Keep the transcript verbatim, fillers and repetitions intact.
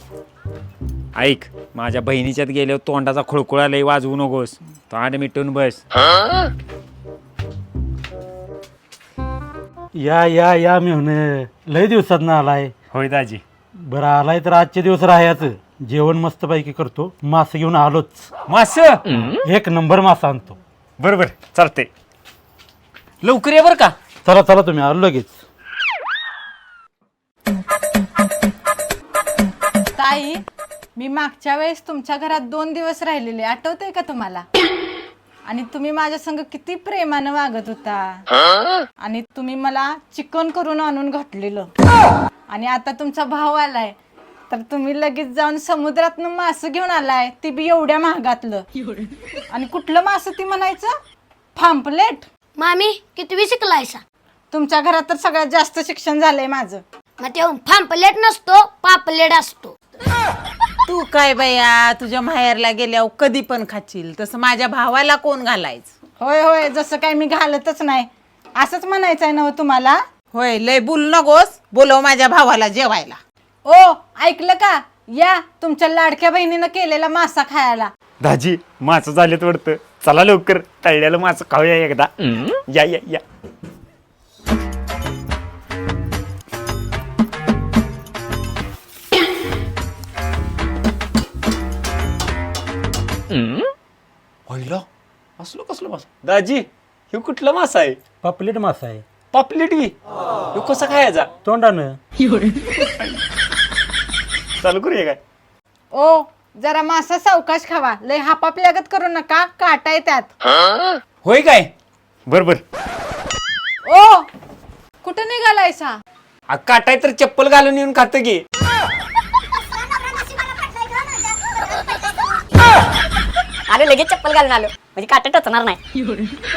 ऐक, माझ्या बहिणीच्यात गेल्यावर तोंडाचा खुळकुळा लई वाजवू नकोस. तोंड मिटून बस. या या या मी म्हणे लय दिवसात ना आलाय. होय दाजी. बरं आलाय तर आजचे दिवस राहायचं. जेवण मस्तपैकी करतो. मासे घेऊन आलोच. मास एक नंबर मासा आणतो. बरोबर चालते. लवकर ये बर का. चला चला तुम्ही आलो लगेच. ताई, मी मागच्या वेळेस तुमच्या घरात दोन दिवस राहिलेले, आठवतंय का तुम्हाला? आणि तुम्ही माझ्या संग किती प्रेमानं वागत होता. आणि तुम्ही मला चिकन करून आणून घातलेलं. आणि आता तुमचा भाव आलाय तर तुम्ही लगेच जाऊन समुद्रातनं मासं घेऊन आलाय, ती बी एवढ्या महागातलं. आणि कुठलं मासं ती म्हणायचं? पाम्पलेट. मामी कितवी शिकलायसा? तुमच्या घरात तर सगळ्यात जास्त शिक्षण झालंय माझं. मग ते फांपलेट नसतो, पापलेट असतो. तू काय बया, तुझ्या माहेरला गेल्यावर कधी पण खाशील, तसं माझ्या भावाला कोण घालायचं? होय होय, जसं काय मी घालतच नाही असंच म्हणायचंय ना तुम्हाला? होय, लय बोल नकोस. बोलव माझ्या भावाला जेवायला. ओ ऐकलं का? या तुमच्या लाडक्या बहिणीनं केलेला मासा खायला. दाजी मास झालेत वाटतं. चला लवकर, तळलेलं मास खाऊया एकदा. या या या. पहिला असलो कसलं मास दाजी? हे कुठला मासा आहे? पापलेट मासा आहे. पापलेट बी? ह्यो कसा खायचा? तोंडानं. चालू करूया काय? ओ जरा मासा सावकाश खावा, लय हापापल्यागत करू नका, काटा आहे त्यात. होय काय? बर बर. ओ कुठं निघालायसा? काटाय तर चप्पल घालून येऊन खात की. अरे लगेच चप्पल घालून आलो, म्हणजे काटा टचणार नाही.